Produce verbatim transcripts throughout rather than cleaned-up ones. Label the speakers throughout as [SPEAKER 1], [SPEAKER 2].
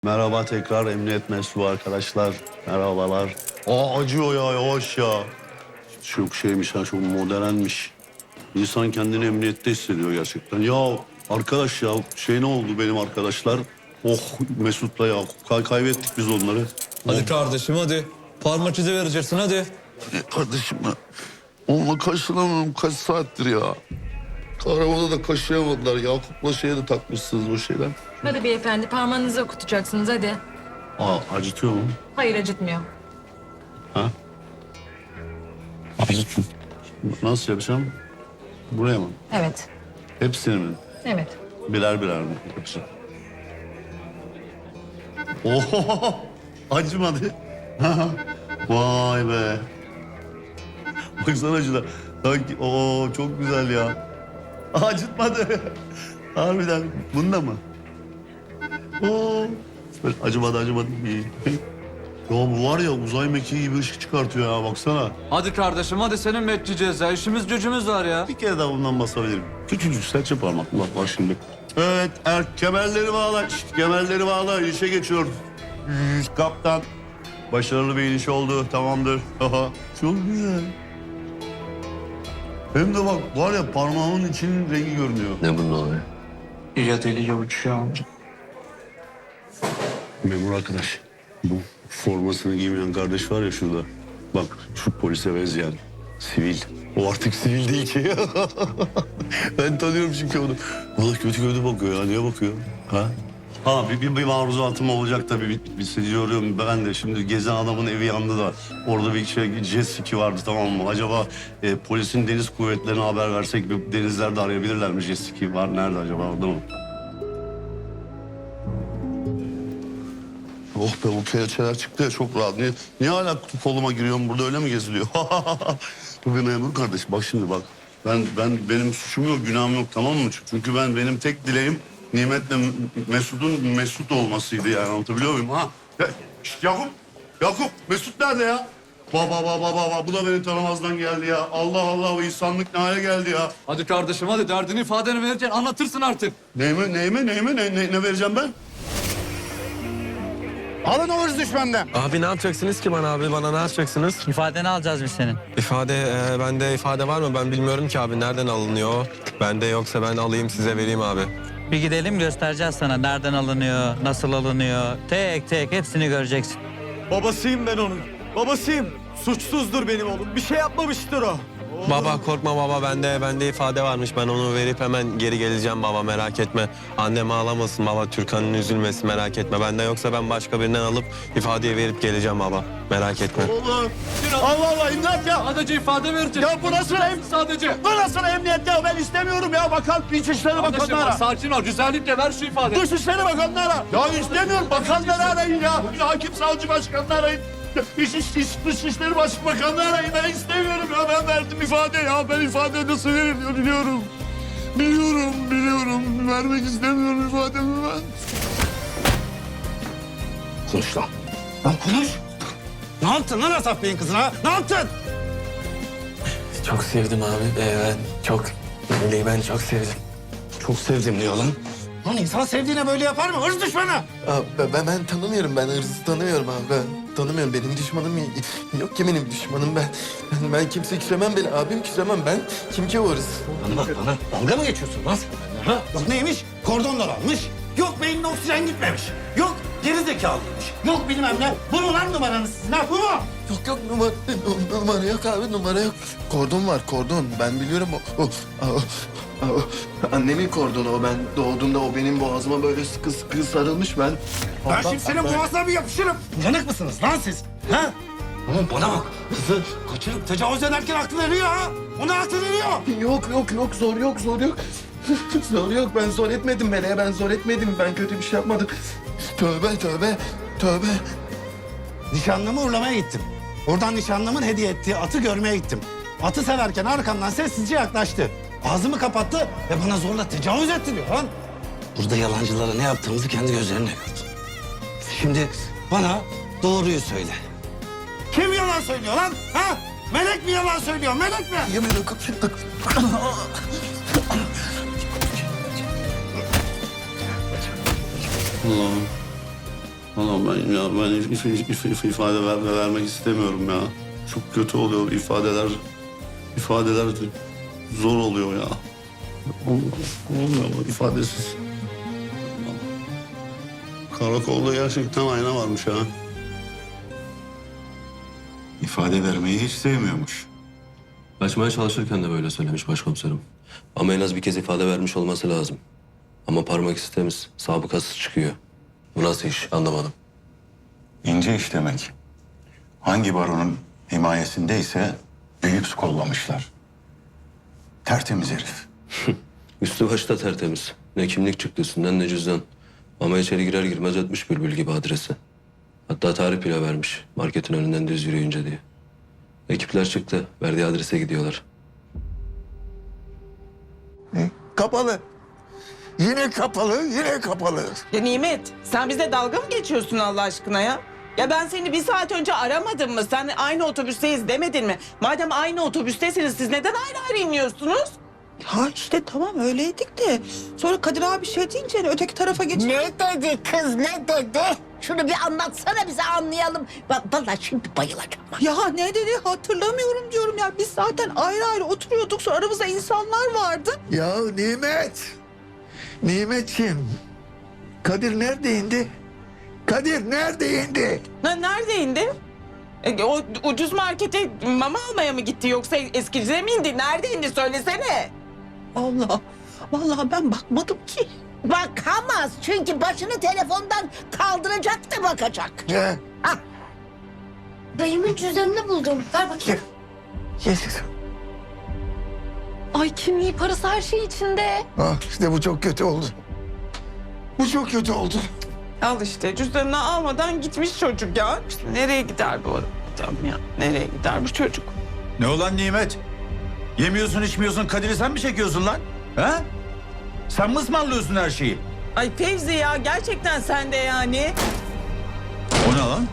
[SPEAKER 1] Merhaba tekrar emniyet mensubu arkadaşlar. Merhabalar. Aa acıyor ya yavaş ya. Çok şeymiş ha çok modernmiş. İnsan kendini emniyette hissediyor gerçekten. Ya arkadaş ya şey ne oldu benim arkadaşlar? Oh Mesut'la ya kay kaybettik biz onları.
[SPEAKER 2] Hadi kardeşim hadi. Parmak izi vereceksin hadi.
[SPEAKER 1] Kardeşim ben onunla kaşınamıyorum kaç saattir ya. Arabada da kaşıyamadılar. Yakup'la şeye de takmışsınız o şeyler.
[SPEAKER 3] Hadi beyefendi parmağınızı okutacaksınız hadi.
[SPEAKER 1] Aa acıtıyor mu?
[SPEAKER 3] Hayır acıtmıyor.
[SPEAKER 1] Ha? Acıtıyor. Nasıl yapacağım? Buraya mı?
[SPEAKER 3] Evet.
[SPEAKER 1] Hepsini mi?
[SPEAKER 3] Evet.
[SPEAKER 1] Birer birer mi yapacağım? Oho! Acımadı. Vay be. Baksana şuna. Sanki oo çok güzel ya. Acıtmadı. Harbiden. Bunda mı? Oo. Böyle acımadı acımadı. İyi. Ya bu var ya uzay mekiği gibi ışık çıkartıyor ya baksana.
[SPEAKER 2] Hadi kardeşim hadi senin bekleyeceğiz ya. İşimiz gücümüz var ya.
[SPEAKER 1] Bir kere daha bundan basabilirim. Küçücük serçe parmak. Bak bak şimdi. Evet er, kemerleri bağla. Şişt, kemerleri bağla. İşe geçiyor. Şşt, kaptan. Başarılı bir iniş oldu. Tamamdır. Aha. Çok güzel. Hem de bak var ya parmağımın içinin rengi görünüyor.
[SPEAKER 4] Ne bunun oluyor?
[SPEAKER 2] Ya deli ya uçuyor.
[SPEAKER 1] Memur arkadaş. Bu formasını giymeyen kardeş var ya şurada. Bak şu polise benzeyen. Sivil. O artık sivil değil ki. Ben tanıyorum çünkü onu. Valla kötü kötü bakıyor ya. Niye bakıyor? Ha? Ha bir, bir, bir maruzatım olacak tabii. Bir, bir hissediyorum ben de. Şimdi gezen adamın evi yandı da. Orada bir şey jet ski vardı tamam mı? Acaba e, polisin deniz kuvvetlerine haber versek bir denizlerde arayabilirler mi? Jet ski var. Nerede acaba? Orada mı? Oh be bu kelepçeler çıktı ya çok rahat. Niye, niye hala koluma giriyorum burada öyle mi geziliyor? Bu bir memur kardeş bak şimdi bak. Ben ben benim suçum yok günahım yok tamam mı? Çünkü ben benim tek dileğim Nimet'le Mesut'un Mesut olmasıydı yani anlatabiliyor muyum ha? Ya, şişt, Yakup Yakup Mesut nerede ya? Baba baba baba bu da beni tanımazdan geldi ya. Allah Allah bu insanlık ne hale geldi ya.
[SPEAKER 2] Hadi kardeşim hadi derdini ifadeni vereceksin anlatırsın artık.
[SPEAKER 1] Neyime neyime neyime ne, ne, ne vereceğim ben?
[SPEAKER 5] Alın o hırs düşmanından.
[SPEAKER 4] Abi ne yapacaksınız ki bana abi? Bana ne yapacaksınız?
[SPEAKER 6] İfadeni alacağız biz senin.
[SPEAKER 4] İfade, e, bende ifade var mı? Ben bilmiyorum ki abi. Nereden alınıyor? Bende yoksa ben alayım size vereyim abi.
[SPEAKER 6] Bir gidelim göstereceğiz sana nereden alınıyor, nasıl alınıyor. Tek tek hepsini göreceksin.
[SPEAKER 5] Babasıyım ben onun. Babasıyım. Suçsuzdur benim oğlum. Bir şey yapmamıştır o.
[SPEAKER 4] Baba korkma baba bende bende ifade varmış. Ben onu verip hemen geri geleceğim baba merak etme. Annem ağlamasın baba Türkan'ın üzülmesin merak etme. Bende yoksa ben başka birinden alıp ifadeye verip geleceğim baba. Merak etme.
[SPEAKER 1] Oğlum Allah Allah imdat ya.
[SPEAKER 2] Sadece ifade vereceksin.
[SPEAKER 1] Ya bu nasıl em
[SPEAKER 2] Sadece.
[SPEAKER 1] bu nasıl emniyet ya ben istemiyorum ya bakan İçişleri
[SPEAKER 2] Kardeşim
[SPEAKER 1] Bakanları
[SPEAKER 2] bak
[SPEAKER 1] ara.
[SPEAKER 2] sakin ol güzellikle ver şu ifadeyi.
[SPEAKER 1] Dışişleri Bakanları ara. Ya istemiyorum bakanları arayın ya. Hakim savcı başkanını arayın. İş, iş, iş, Dışişleri Başbakanını arayın. Ben istemiyorum ya ben verdim ifade ya. Ben ifade nasıl veririm biliyorum. Biliyorum biliyorum. Vermek istemiyorum ifademi ben.
[SPEAKER 5] Konuş lan. Lan konuş. Ne yaptın lan Asaf Bey'in kızına? Ne yaptın?
[SPEAKER 4] Çok sevdim abi. Ee, ben çok Meleği ben çok sevdim.
[SPEAKER 5] Çok sevdim diyor lan. Lan insan sevdiğine böyle yapar mı? Hırs düşmanı.
[SPEAKER 7] Abi ben, ben tanımıyorum. Ben hırsızı tanımıyorum abi. Ben tanımıyorum. Benim düşmanım yok ki benim düşmanım ben. Ben, ben kimse küsemem beni. Abim küsemem ben. Kim ki o hırsız?
[SPEAKER 5] Bana bak bana. Dalga mı geçiyorsun lan sen benimle, ha? Yok neymiş? Kordon dolanmış. Yok beynine oksijen gitmemiş. Yok geri zekalıymış. Yok bilmem ne. Bu mu lan numaranız sizin ha? Bu mu?
[SPEAKER 7] Yok yok numara, numara yok abi. Numara yok. Kordon var kordon. Ben biliyorum o. o, o, o annemin kordonu o. Ben doğduğumda o benim boğazıma böyle sıkı sıkı sarılmış ben.
[SPEAKER 5] Ben şimdi senin boğazına bir yapışırım. Yanık mısınız lan siz? Ha? Oğlum bana bak. Kızı kaçırıp tecavüz ederken aklı eriyor ha. Ona aklı eriyor.
[SPEAKER 7] Yok yok yok zor yok zor yok. Zor yok ben zor etmedim Meleğe ben zor etmedim. Ben kötü bir şey yapmadım. Tövbe tövbe tövbe.
[SPEAKER 5] Nişanlımı uğurlamaya gittim. Oradan nişanlımın hediye ettiği atı görmeye gittim. Atı severken arkamdan sessizce yaklaştı. Ağzımı kapattı ve bana zorla tecavüz etti diyor lan. Burada yalancılara ne yaptığımızı kendi gözlerimle gördüm. Şimdi bana doğruyu söyle. Kim yalan söylüyor lan? Ha? Melek mi yalan söylüyor? Melek mi?
[SPEAKER 7] Yemin ederim.
[SPEAKER 1] Allah'ım. Vallahi ben ya ben if, if, if, if- ifade ver, vermek istemiyorum ya. Çok kötü oluyor ifadeler. İfadeler zor oluyor ya. Ol- Olmuyor bu ifadesiz. Karakolda gerçekten ayna varmış ha.
[SPEAKER 8] İfade vermeyi hiç sevmiyormuş.
[SPEAKER 9] Kaçmaya çalışırken de böyle söylemiş başkomiserim. Ama en az bir kez ifade vermiş olması lazım. Ama parmak izi temiz, sabıkası çıkıyor. Bu nasıl iş anlamadım.
[SPEAKER 8] İnce iş demek. Hangi baronun himayesindeyse büyük su kollamışlar. Tertemiz herif.
[SPEAKER 9] Üstü başı da tertemiz. Ne kimlik çıktı üstünden ne cüzdan. Ama içeri girer girmez ötmüş bülbül gibi adresi. Hatta tarih bile vermiş marketin önünden düz yürüyünce diye. Ekipler çıktı, verdiği adrese gidiyorlar.
[SPEAKER 10] Kapalı. Yine kapalı, yine kapalı.
[SPEAKER 11] Ya Nimet, sen bize dalga mı geçiyorsun Allah aşkına ya? Ya ben seni bir saat önce aramadım mı? Sen aynı otobüsteyiz demedin mi? Madem aynı otobüstesiniz siz neden ayrı ayrı iniyorsunuz?
[SPEAKER 12] Ha işte tamam öyleydik de sonra Kadir abi şey deyince hani öteki tarafa geç.
[SPEAKER 10] Ne dedi kız, ne dedi? Şunu bir anlatsana bize anlayalım. Bak vallahi şimdi bayılacağım.
[SPEAKER 12] Ya ne dedi hatırlamıyorum diyorum ya biz zaten ayrı ayrı oturuyorduk sonra aramızda insanlar vardı.
[SPEAKER 10] Ya Nimet. Nimetciğim. Kadir nerede indi? Kadir nerede indi?
[SPEAKER 11] Ha, nerede indi? E, o ucuz markete mama almaya mı gitti yoksa eskiciye mi indi? Nerede indi söylesene.
[SPEAKER 12] Allah vallahi ben bakmadım ki.
[SPEAKER 10] Bakamaz çünkü başını telefondan kaldıracak da bakacak.
[SPEAKER 8] Ne?
[SPEAKER 3] Dayımın cüzdanını buldum. Ver bakayım.
[SPEAKER 10] Yesus.
[SPEAKER 3] Ay kimliği, parası, her şey içinde.
[SPEAKER 10] Ah işte bu çok kötü oldu. Bu çok kötü oldu.
[SPEAKER 11] Al işte cüzdanını almadan gitmiş çocuk ya. İşte nereye gider bu adam ya? Nereye gider bu çocuk?
[SPEAKER 13] Ne olan Nimet? Yemiyorsun içmiyorsun Kadir'i sen mi çekiyorsun lan? Ha? Sen mi ısmarlıyorsun her şeyi?
[SPEAKER 11] Ay Fevzi ya gerçekten sen de yani.
[SPEAKER 13] O ne lan?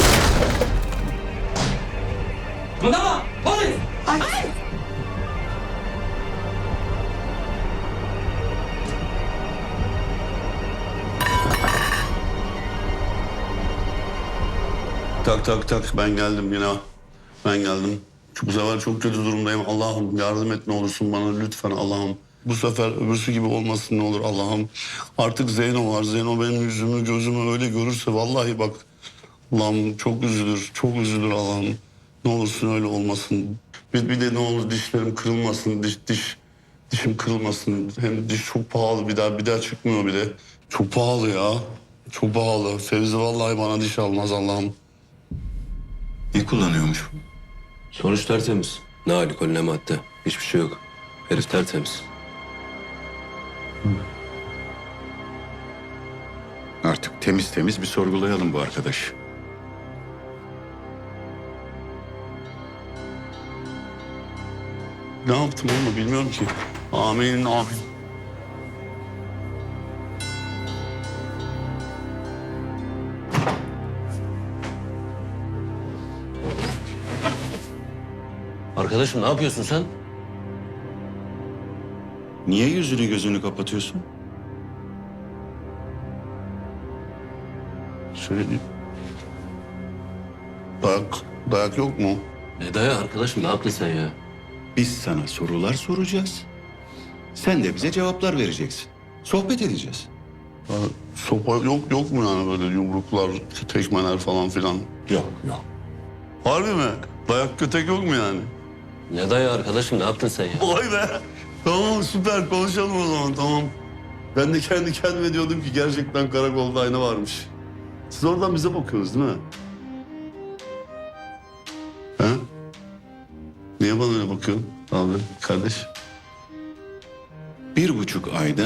[SPEAKER 11] Buna polis! Ay.
[SPEAKER 1] Tak tak tak ben geldim yine. Ben geldim. Bu sefer çok kötü durumdayım. Allah'ım yardım et ne olursun bana lütfen Allah'ım. Bu sefer öbürsü gibi olmasın ne olur Allah'ım. Artık Zeyno var. Zeyno benim yüzümü gözümü öyle görürse vallahi bak. Allah'ım çok üzülür. Çok üzülür Allah'ım. Ne olursun öyle olmasın. Bir, bir de ne olur dişlerim kırılmasın. Diş, diş, dişim kırılmasın. Hem diş çok pahalı bir daha bir daha çıkmıyor bir de. Çok pahalı ya. Çok pahalı. Fevzi vallahi bana diş almaz Allah'ım.
[SPEAKER 8] Ne kullanıyormuş bu?
[SPEAKER 9] Sonuç tertemiz. Ne alkol ne madde. Hiçbir şey yok. Herif tertemiz.
[SPEAKER 8] Artık temiz temiz bir sorgulayalım bu arkadaş.
[SPEAKER 1] Ne yaptım onu bilmiyorum ki. Amin amin.
[SPEAKER 9] Arkadaşım ne yapıyorsun sen?
[SPEAKER 8] Niye yüzünü gözünü kapatıyorsun?
[SPEAKER 1] Şöyle bir... Dayak, dayak yok mu?
[SPEAKER 9] Ne daya arkadaşım ne yaptın sen ya?
[SPEAKER 8] Biz sana sorular soracağız. Sen de bize cevaplar vereceksin. Sohbet edeceğiz.
[SPEAKER 1] Ya, sopa yok yok mu yani böyle yumruklar, tekmeler falan filan?
[SPEAKER 8] Yok yok.
[SPEAKER 1] Harbi mi? Dayak kötek yok mu yani?
[SPEAKER 9] Ne daya arkadaşım ne yaptın sen ya?
[SPEAKER 1] Vay be. Tamam süper konuşalım o zaman tamam. Ben de kendi kendime diyordum ki gerçekten karakolda ayna varmış. Siz oradan bize bakıyorsunuz değil mi? He? Niye bana öyle bakıyorsun abi kardeş?
[SPEAKER 8] Bir buçuk ayda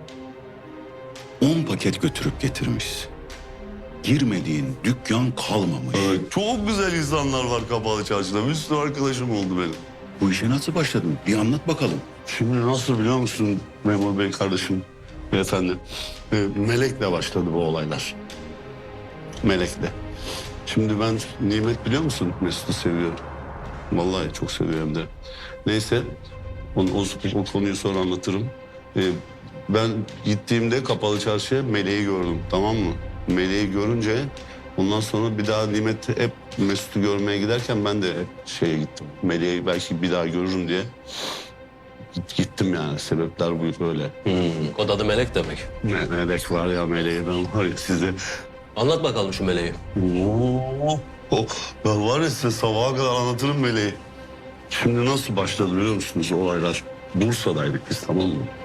[SPEAKER 8] on paket götürüp getirmiş. Girmediğin dükkan kalmamış.
[SPEAKER 1] Evet, çok güzel insanlar var Kapalı Çarşı'da. Bir sürü arkadaşım oldu benim.
[SPEAKER 8] Bu işe nasıl başladın? Bir anlat bakalım.
[SPEAKER 1] Şimdi nasıl biliyor musun memur bey kardeşim, beyefendi? Ee, Melek'le başladı bu olaylar. Melek'le. Şimdi ben Nimet biliyor musun? Mesut'u seviyorum. Vallahi çok seviyorum de. Neyse, onu, o, o konuyu sonra anlatırım. Ee, ben gittiğimde Kapalı Çarşı'ya Melek'i gördüm, tamam mı? Meleği görünce ondan sonra bir daha Nimet hep Mesut'u görmeye giderken ben de şeye gittim. Meleği belki bir daha görürüm diye git- gittim yani. Sebepler bu böyle.
[SPEAKER 9] Hmm, kod adı Melek demek.
[SPEAKER 1] Ne melek var ya meleği ben var ya size.
[SPEAKER 9] Anlat bakalım şu meleği.
[SPEAKER 1] Oo, oh, ben var ya size sabaha kadar anlatırım meleği. Şimdi nasıl başladı biliyor musunuz olaylar? Bursa'daydık biz tamam mı?